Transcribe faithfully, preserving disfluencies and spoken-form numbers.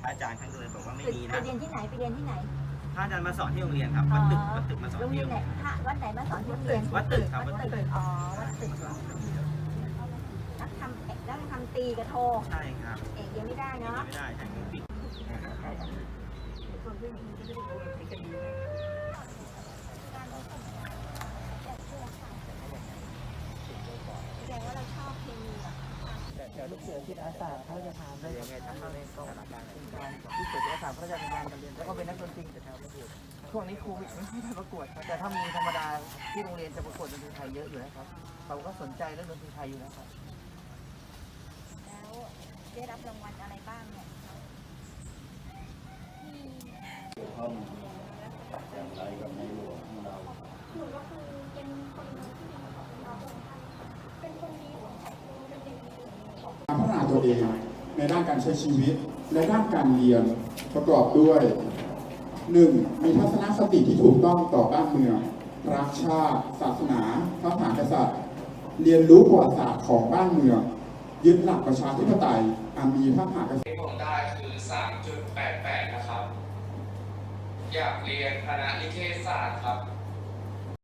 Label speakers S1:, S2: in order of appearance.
S1: อาจารย์ท่านก็เลยบอกว่าไม่มีนะ
S2: ไปเรียนที่ไหนไปเรียนที่ไหน
S1: พระอาจารย์มาสอนที่โรงเรียนครับวัดตึกวัดตึกมาสอน
S2: โรง
S1: ที่
S2: เรีย
S1: โร
S2: น
S1: ง
S2: ไหน
S1: เรียน
S2: พระวัดไหนมาสอนที่โรงเรียน
S1: วัดตึกครับวัดตึก
S2: อ๋อวัดตึกนักทำเอกนักทำตีกระโท
S1: ใช่ครับ
S2: เอกยังไม่ได้เนาะ
S1: ไม่ได้ใช่ปิด
S2: แสดงว่าเราชอบเคมีอ่ะ
S3: เดี๋ยวลูกเสือจิตอาสาเขาจะทำได้ยังไงทำอะไรก็เป็นการลูกเสือจิตอาสาเขาจะทำงานกันเรียนแล้วก็เป็นนักดนตรีแต่แถวประกวดช่วงนี้โควิดไม่ได้ประกวดแต่ถ้ามีธรรมดาที่โรงเรียนจะประกวดดนตรีไทยเยอะอยู่นะครับเขาก็สนใจเรื่องดนตรีไทยอยู่นะครับ
S2: แล้วได้รับรางวัลอะไรบ้างเนี่ย
S4: ท่านอย่างไรกับในหลวงของเราหนูก็คือเป็นคนที่ดีของเราเป็นคนดีของสังคมเป็นเด็กดีของพัฒนาตัวเองในด้านการใช้ชีวิตและด้านการเรียนประกอบด้วย หนึ่ง มีทัศนคติที่ถูกต้องต่อบ้านเมืองรักชาติศาสนาพระมหากษัตริย์เรียนรู้ประวัติศาสตร์ของบ้านเมืองยึดหลักประชาธิปไตยอันมีพระมหากษัตริย์
S5: ที่ผมได้คือ สามจุดแปดแปด นะครับ อยากเรียนคณะนิเทศศาสตร์ครับ